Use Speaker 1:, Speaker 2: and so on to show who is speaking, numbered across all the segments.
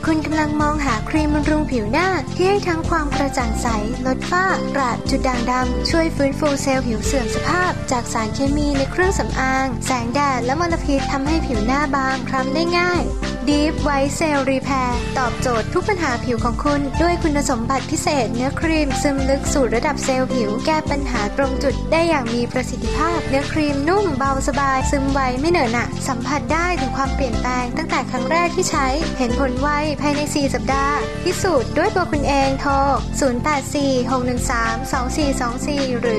Speaker 1: คุณกำลังมองหาครีมบำรุงผิวหน้าที่ให้ทั้งความกระจ่างใสลดฝ้ากระจุดด่างดำช่วยฟื้นฟูเซลล์ผิวเสื่อมสภาพจากสารเคมีในเครื่องสำอางแสงแดดและมลพิษทำให้ผิวหน้าบางคล้ำได้ง่าย Deep White Cell Repair ตอบโจทย์ทุกปัญหาผิวของคุณด้วยคุณสมบัติพิเศษเนื้อครีมซึมลึกสู่ระดับเซลล์ผิวแก้ปัญหาตรงจุดได้อย่างมีประสิทธิภาพเนื้อครีมนุ่มเบาสบายซึมไวไม่เหนอะหนะสัมผัสได้ถึงความเปลี่ยนแปลงตั้งแต่ครั้งแรกที่ใช้เห็นผลไวภายใน4 สัปดาห์พิสูจน์ด้วยตัวคุณเองโทร 0846132424 หรือ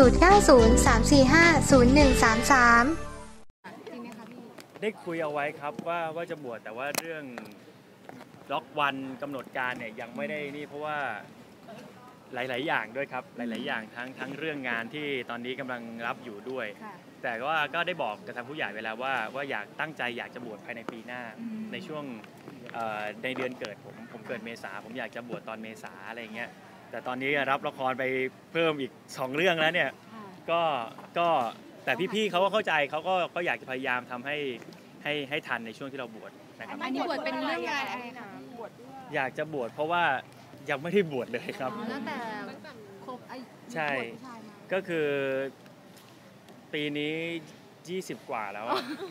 Speaker 1: 0903450133
Speaker 2: ได้คุยเอาไว้ครับว่าจะบวชแต่ว่าเรื่องล็อกวันกำหนดการเนี่ยยังไม่ได้นี่เพราะว่าหลายๆอย่างด้วยครับหลายๆอย่างทั้งเรื่องงานที่ตอนนี้กำลังรับอยู่ด้วยแต่ว่าก็ได้บอกกับทางผู้ใหญ่เวลาว่าอยากตั้งใจอยากจะบวชภายในปีหน้าในช่วงในเดือนเกิดผมเกิดเมษาผมอยากจะบวชตอนเมษาอะไรเงี้ยแต่ตอนนี้รับละครไปเพิ่มอีก2 เรื่องแล้วเนี่ยก็แต่พี่ๆเขาก็เข้าใจเขาก็อยากจะพยายามทำให้ทันในช่วงที่เราบวชนะครับ
Speaker 3: อันนี้บวชเป็นเรื่องงานอะไรคะ
Speaker 2: อยากจะบวชเพราะว่ายังไม่ได้บวชเลยครับ
Speaker 3: ตั้งแต่ครบ
Speaker 2: ใช่ก็คือปีนี้20 กว่าแล้ว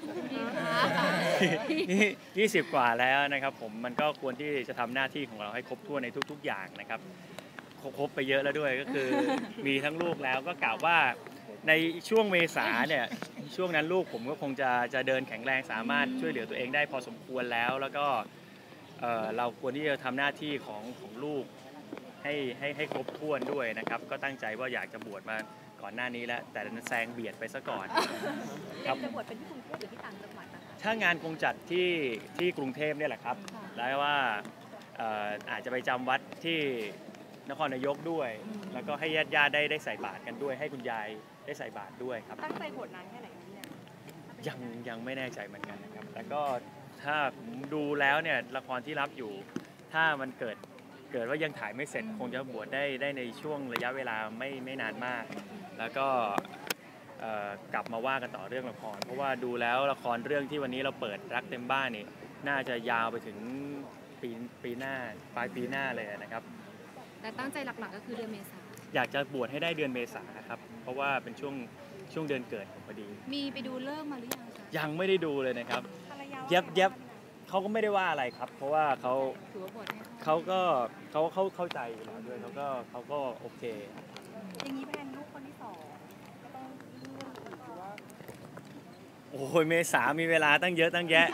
Speaker 2: 20 กว่าแล้วนะครับผมมันก็ควรที่จะทำหน้าที่ของเราให้ครบถ้วนในทุกๆอย่างนะครับครบไปเยอะแล้วด้วยก็คือมีทั้งลูกแล้วก็กล่าวว่าในช่วงเมษาเนี่ยช่วงนั้นลูกผมก็คงจะเดินแข็งแรงสามารถช่วยเหลือตัวเองได้พอสมควรแล้วก็เราควรที่จะทำหน้าที่ของลูกให้ครบถ้วนด้วยนะครับก็ตั้งใจว่าอยากจะบวชมาก่อนหน้านี้แล้วแต่แซงเบียดไปซะก่อน
Speaker 3: ครับจะบวชเป็นที่กรุงเทพหรือที่ต่างจังหวัดนะคะ
Speaker 2: ถ้างานคงจัดที่กรุงเทพเนี่ยแหละครับแล้วว่าอาจจะไปจำวัดที่นครนายกด้วยแล้วก็ให้ญาติได้ใส่บาตรกันด้วยให้คุณยายได้ใส่บาตรด้วยครับ
Speaker 3: ตั้งใจบวชนานแค่ไหนเนี่ย
Speaker 2: ยังไม่แน่ใจเหมือนกันนะครับแต่ก็ถ้าผมดูแล้วเนี่ยละครที่รับอยู่ถ้ามันเกิดว่ายังถ่ายไม่เสร็จคงจะบวชได้ในช่วงระยะเวลาไม่นานมากแล้วก็กลับมาว่ากันต่อเรื่องละครเพราะว่าดูแล้วละครเรื่องที่วันนี้เราเปิดรักเต็มบ้านนี่น่าจะยาวไปถึงปีหน้าปลายปีหน้าเลยนะครับ
Speaker 3: แต่ตั้งใจหลักๆก็คือเดือนเมษา
Speaker 2: อยากจะบวชให้ได้เดือนเมษาครับเพราะว่าเป็นช่วงเดือนเกิดผมพอดี
Speaker 3: มีไปดูเลิกมาหรือยังคะ
Speaker 2: ยังไม่ได้ดูเลยนะครับเย็บเขาก็ไม่ได้ว่าอะไรครับเพราะว่าเขาก็เข้าใจอยู่แล้วด้วยเขาก็โอเค
Speaker 3: อย่างนี้แพนลูกคนที่2ก็ต้องเลือกหรือว่า
Speaker 2: โอ้ยเมษามีเวลาตั้งเยอะตั้งแยะ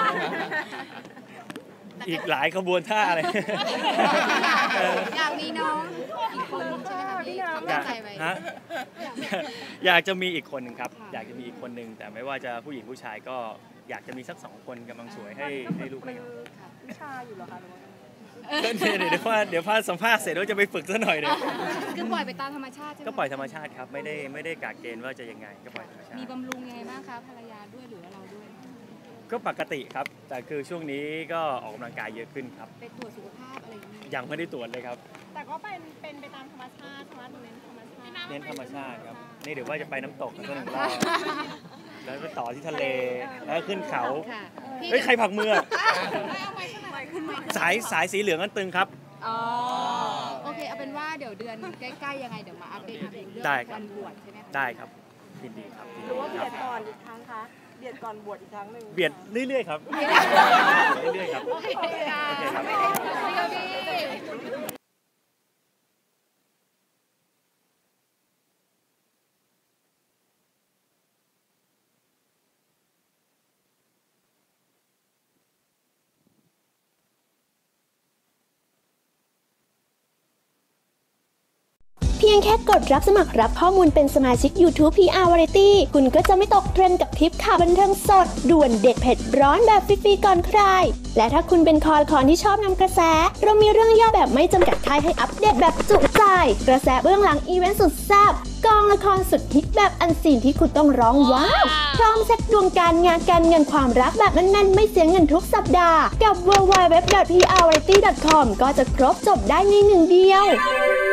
Speaker 2: อีกหลายขบวนท่าอะไร
Speaker 3: อยากมีน้องอีกคนใช่ไหมคะพี่ตั้งใจไว้
Speaker 2: อยากจะมีอีกคนหนึ่งครับอยากจะมีอีกคนหนึ่งแต่ไม่ว่าจะผู้หญิงผู้ชายก็อยากจะมีสัก2 คนกำลังสวยให้ลูกไม่เอา
Speaker 3: วิชาอยู่เหรอคะ
Speaker 2: เดี๋ยวพาสัมภาษณ์เสร็จแล้วจะไปฝึกซะหน่อยเลย
Speaker 3: คือปล่อยไปตามธรรมชาติใช่ไหม
Speaker 2: ก็ปล่อยธรรมชาติครับไม่ได้กะเกณฑ์ว่าจะยังไงก็ปล่อยธรรมชาติ
Speaker 3: มีบำรุงยังไงบ้างคะภรรยาด้วยหรือเราด้วย
Speaker 2: ก็ปกติครับแต่คือช่วงนี้ก็ออกกำลังกายเยอะขึ้นครับ
Speaker 3: ไปตรวจสุขภาพอะไรอย่างนี้
Speaker 2: ยังไม่ได้ตรวจเลยครับ
Speaker 3: แต่ก็เป็นไปตามธรรมชาติ
Speaker 2: เน้นธรรมชาติครับนี่เดี๋ยวว่าจะไปน้ำตกกัน1 รอบแล้วไปต่อที่ทะเลแล้วขึ้นเขาเฮ้ยใครผลักมือสายสีเหลืองนั่นตึงครับ
Speaker 3: โอเคเอาเป็นว่าเดี๋ยวเดือนใกล้ๆยังไงเดี๋ยวมาอัปเดตเรื่องวันบวชใช่ไหม
Speaker 2: ได้ครับยินดีครับ
Speaker 3: หรือว่าเบียดก่อนอีกครั้งคะเบียดก่อนบวชอีกครั้งหนึ่ง
Speaker 2: เบียดเรื่อยๆครับเรื่อยๆครับโอเคครับ
Speaker 4: เพียงแค่กดรับสมัครรับข้อมูลเป็นสมาชิก YouTube PR Variety คุณก็จะไม่ตกเทรนด์กับทริปข่าวบันเทิงสดด่วนเด็ดเผ็ดร้อนแบบฟรีๆก่อนใครและถ้าคุณเป็นคอละครที่ชอบนำกระแสเรามีเรื่องย่อแบบไม่จำกัดค่ายให้อัปเดตแบบจุใจกระแสเบื้องหลังอีเวนต์สุดแซ่บกองละครสุดฮิตแบบอันซีนที่คุณต้องร้องว้าวพร้อมเซ็ตดวงการงานการเงินความรักแบบแน่นๆไม่เสียเงินทุกสัปดาห์กับ www.prvariety.com ก็จะครบจบได้ใน1 เดียว